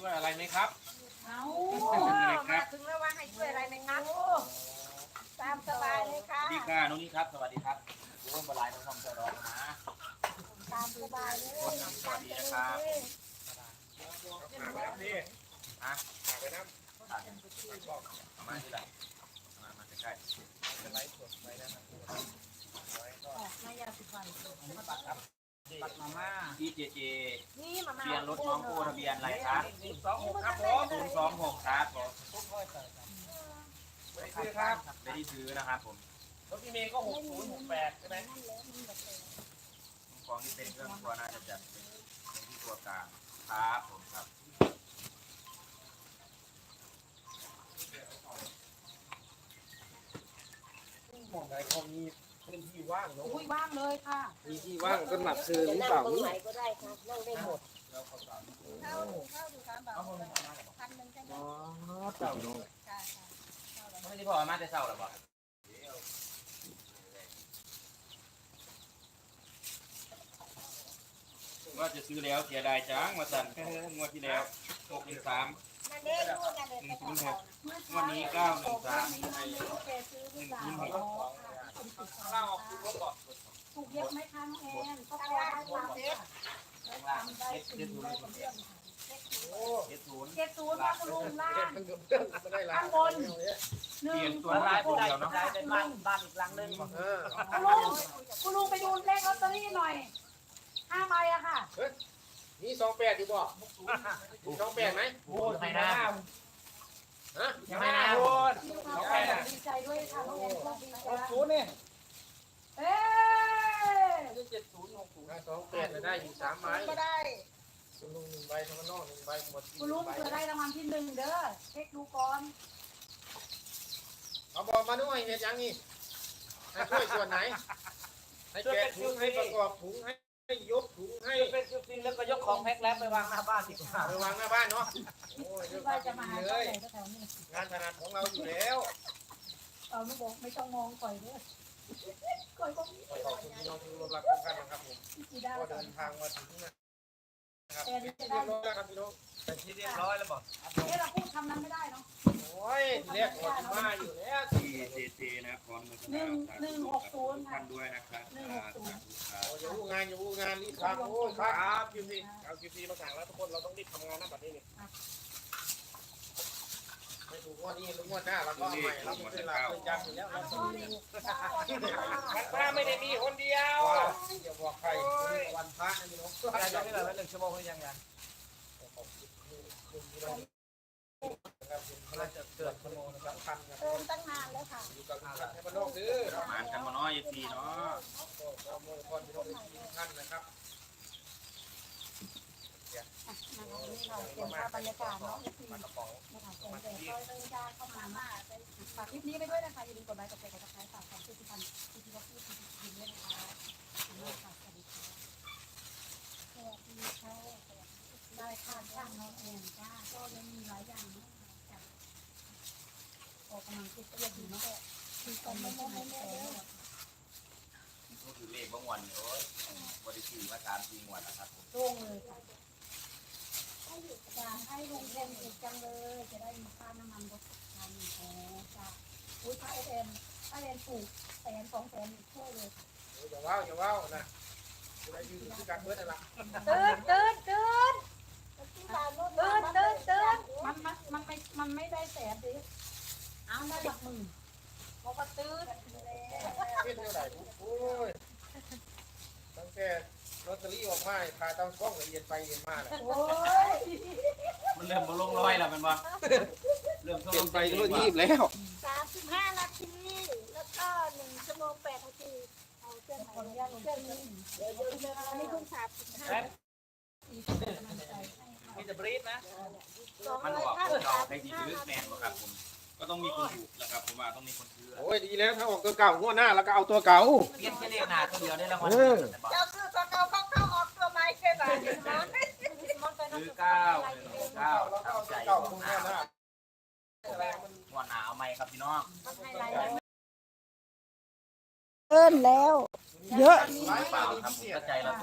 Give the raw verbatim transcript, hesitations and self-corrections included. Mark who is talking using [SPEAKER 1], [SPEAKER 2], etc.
[SPEAKER 1] วยอะไรไหมครับ
[SPEAKER 2] เอามาถึงแล้วว่าให้ช่วยอะไรไหมครับตามสบายเลยค่ะ
[SPEAKER 1] ดีค่ะน้องนี่ครับสวัสดีครับโอ้ยบลายต้องทำเจรอนะ
[SPEAKER 2] ตามสบายเลย
[SPEAKER 1] คนน้ำสวัสดีนะครับนี่ฮะไปน้ำมาที่ไหนมามาใกล้ๆจะไลฟ์สดไว้นะครับ
[SPEAKER 2] นายาสิฟัน
[SPEAKER 1] ปัดมาม่าที่เจเจ
[SPEAKER 2] นี่มามา
[SPEAKER 1] เบียนรถน้องโคทะเบียนอะไรครับศูนย์สองหกครับผมศูนย์สองหกครับผมไม่ได้ซื้อครับไม่ได้ซื้อนะครับผมรถพี่เมย์ก็หกศูนย์หกแปดใช่ไหมของที่เป็นเครื่องครัวน่าจะจัดเป็นที่ตัวกลางครับผมครับมองไหนเขามีพื้นที่ว่างเนาะ
[SPEAKER 2] อุ้ยว่างเลยค่ะ
[SPEAKER 1] มีที่ว่างก็หนักซื้อหรือเปล่า
[SPEAKER 2] ตรงไหนก็ได้ค่ะนั่งได้หมด
[SPEAKER 1] แล้วเขาสาม
[SPEAKER 2] เข้าเข้าดูตามแบบพันหนึ่งใช่ไหม
[SPEAKER 1] อ๋อเต่าโน่
[SPEAKER 2] ใช่ค่ะ
[SPEAKER 1] ไม่ได้พอมาแต่เศร้าหรอบ่ว่าจะซื้อแล้วเสียดายจังมาสั่นงวดที่แล้วหกหนึ่งสาม
[SPEAKER 2] นั่นเองนู่นนั่นเอง
[SPEAKER 1] หนึ่งศูนย์หกวันนี้เก้าหนึ่งสาม
[SPEAKER 2] นี่มันไม่รู้แกซื้อหรือเปล่าอ๋อค่ะถูกเยอะไหมคะน้องแอนก็พอได้วางเซ็ต
[SPEAKER 1] ข้างล่างเจ็ดเจ็ดศูนย์เจ็ดศูนย์
[SPEAKER 2] เจ็ดศูนย์ว่าคุณลุงล่าง
[SPEAKER 1] ได้ละ
[SPEAKER 2] ข้างบนหนึ่ง
[SPEAKER 1] ตัวลายตัวเดียวเนาะ
[SPEAKER 2] เป็นบ้านบ้านอีกหลังนึง
[SPEAKER 1] เออ
[SPEAKER 2] คุณลุงคุณลุงไปดูเลขลอตเตอรี่หน่อยห้าใบอะค่ะ
[SPEAKER 3] มีสองแปดอยู่บ่มีสองแปดไหม
[SPEAKER 1] โอ้ยใครนะ
[SPEAKER 3] ฮะ
[SPEAKER 1] ยังไม่นะโอ้ย
[SPEAKER 2] ดีใจด้วยค่ะน้องแอนก็ดีใจ
[SPEAKER 1] ศูนย์เนี่ย
[SPEAKER 2] เอ๊ะ
[SPEAKER 1] เจ็ดศูนย์หกศูนย์
[SPEAKER 3] สองแปดได้อยู่สามไม้
[SPEAKER 2] ก็ได้
[SPEAKER 3] คุณลุงหนึ่งใบธรรมนอกหนึ่งใบหมด
[SPEAKER 2] คุณลุงเผื่อได้รางวัลที่หนึ่งเด้อเช็คดูก่อน
[SPEAKER 3] เอาบอกมาด้วยเฮ็ดยังนี่ให้ช่วยส่วนไหนให้แกะถุงให้ประกอบถุงให้ให้ยกถุงให้
[SPEAKER 1] เป็นจุดจริงแล้วก็ยกของแพ็คแล้วไปวางหน้าบ้านดีกว่า
[SPEAKER 3] ไปวางหน้าบ้านเนาะโอ้ย
[SPEAKER 2] คิ
[SPEAKER 3] เรื่
[SPEAKER 2] ด
[SPEAKER 3] อง
[SPEAKER 2] ว่า
[SPEAKER 3] การ
[SPEAKER 2] จะมาหา
[SPEAKER 3] เล
[SPEAKER 2] เจ้าย ไหนแถวนี้
[SPEAKER 3] งานถนัดของเราอยู่แล้ว
[SPEAKER 2] เอาไม่บอกไม่ต้องมองก่อยด้วยก่อยก็มี
[SPEAKER 3] ขอบคุณพี่น้องที่ร่วมรักทุกท่านนะครับผม
[SPEAKER 2] กี่ดาว
[SPEAKER 3] ก็เดินทางมาถึงนะครับ
[SPEAKER 2] แต่นี่จะ
[SPEAKER 3] เรี
[SPEAKER 2] ได้
[SPEAKER 3] ยบร้อยแล้วครับพี่น้อง
[SPEAKER 1] เป็นที่เรียบร้อยแล้วบอก
[SPEAKER 2] เอ๊ะเราพูดคำนั้นไม่ได้เนาะ
[SPEAKER 3] โอ้ยเรียกหมดมาอยู่แล้ว
[SPEAKER 1] ที่เจเจนะขอมือ
[SPEAKER 2] หนึ่งหนึ่งหกศูนย์ค่ะ
[SPEAKER 1] ท่านด้วยนะครับ
[SPEAKER 2] หนึ่งหกศูนย์
[SPEAKER 3] อย่าพูดงานอย่าพูดงานรีบทำโอ้ยครับคิวซีเอาคิวซีมาสั่งแล้วทุกคนเราต้องรีบทำงานนะบัดนี้นี่ไม่ถูกงวดนี้หรืองวดหน้าเราก็เอาใหม่เราไม่เป็นหลักเป็นจำอยู่แล้วเราต้องรู้มันพระไม่ได้มีคนเดียวอย่าบอกใครวันพระนะพี่น้อง
[SPEAKER 1] อะไรจะไม่เหลือหนึ่งชั่วโมงหรือยังไง
[SPEAKER 3] น่าจะเกิดชั่วโมงสำคัญครับ
[SPEAKER 2] เติมตั้งนานแล้วค่ะ
[SPEAKER 3] อยู่กับท่านให้มาโลกซื้อ
[SPEAKER 1] ประมาณกันมาน้อยเอฟซีเนาะ
[SPEAKER 3] ขอโมยพรพี่น้องทุกท่านนะครับ
[SPEAKER 2] นะคะนี่ค่ะเป็นภาพบรรยากาศเนาะที่นะคะแสงแดดก็เริ่มจ้าเข้ามามาฝากคลิปนี้ไปด้วยนะคะอย่าลืมกดไลค์กดแชร์กดซับสไครต์ฝากความชื่นชมที่ที่ว่าพูดที่พิมพ์ด้วยนะคะขอบคุณค่ะสวัสดีค่ะสวัสดีค่ะได้ค่ะช่างน้องแอนจ้าก็ยังมีหลายอย่างเนาะออกกำลังกายก็ยังดีเนาะคือการไม่ไม่ไม่ไม่
[SPEAKER 1] ก็คือเลขบางวันโอ้ยบริสุทธิ์มาสามสี่วันแล้วครับผม
[SPEAKER 2] โล่งเลยค่ะอยากให้ลุงเรียนอีกจังเลย จะได้มีค่าน้ำมันรถทางแอร์จ้ะอุ้ยค่าเอเอ็มค่าเรียนถูกแสนสองแสนช่วยเลย
[SPEAKER 3] อย่าว้าวอย่าว้าวนะจะได้ยืนที่การเบิร์ดอะไร
[SPEAKER 2] ตื่นตื่นตื่นตื่นตื่นตื่นมันมันมันไม่มันไม่ได้แสนดิเอาได้หลักหมื่นบอกว่าตื่น
[SPEAKER 3] เพี้ยนเท่าไหร่โอ้ยตั้งแต่ลอตเตอรี่ออกมาพาตั้งกล้องละเอียดไปเอียดมาเลย
[SPEAKER 2] โอ้ย
[SPEAKER 1] มันเริ่มมาลงร้อยแล้วมันว่าเริ่ม
[SPEAKER 3] เปลี่ยนไปทั่วทีบแล้ว
[SPEAKER 2] สามสิบห้านาทีแล้วก็หนึ่งชั่วโมงแปดนาทีเอาเครื่องไหนเครื่องนี้เดี๋ยวเดี๋ยวอันนี้เพิ่งสามสิบห้า
[SPEAKER 1] มีแต่บรีดนะ
[SPEAKER 2] สอง
[SPEAKER 1] มัน
[SPEAKER 2] ร้อย
[SPEAKER 1] บอก
[SPEAKER 2] ห้า
[SPEAKER 1] ผม
[SPEAKER 2] สิบ
[SPEAKER 1] จะเอา
[SPEAKER 2] สาม
[SPEAKER 1] ใคร
[SPEAKER 2] สิ
[SPEAKER 1] ที่
[SPEAKER 2] บห้า
[SPEAKER 1] ซื้อแมนบ่ครับผมก็ต้องมีคนถูกนะครับผมว่าต้องมีคนซื้อ
[SPEAKER 3] โอ้ยดีแล้วถ้าออกตัวเก่างวดหน้าแล้วก็เอาตัวเก่า
[SPEAKER 1] เปลี่ยนแค่เลขหน้าตัวเดียวได้รางวัล
[SPEAKER 2] เจ้าซื้อตัวเก่าเข้าเข้าออกตัวใหม่แค่ไหนเห็นไหม
[SPEAKER 1] ซื้อเก้าหนึ่งเก้า
[SPEAKER 3] เราก็
[SPEAKER 1] ตาม
[SPEAKER 3] เอา
[SPEAKER 1] ใจ
[SPEAKER 3] ตัว
[SPEAKER 1] ง
[SPEAKER 3] เก่าของวดหน้า
[SPEAKER 1] วดหนาวไหมครับพี่น้อง
[SPEAKER 2] เอิ้นแล้ว เยอะ
[SPEAKER 1] เปล่าครับผมก็ใจเรา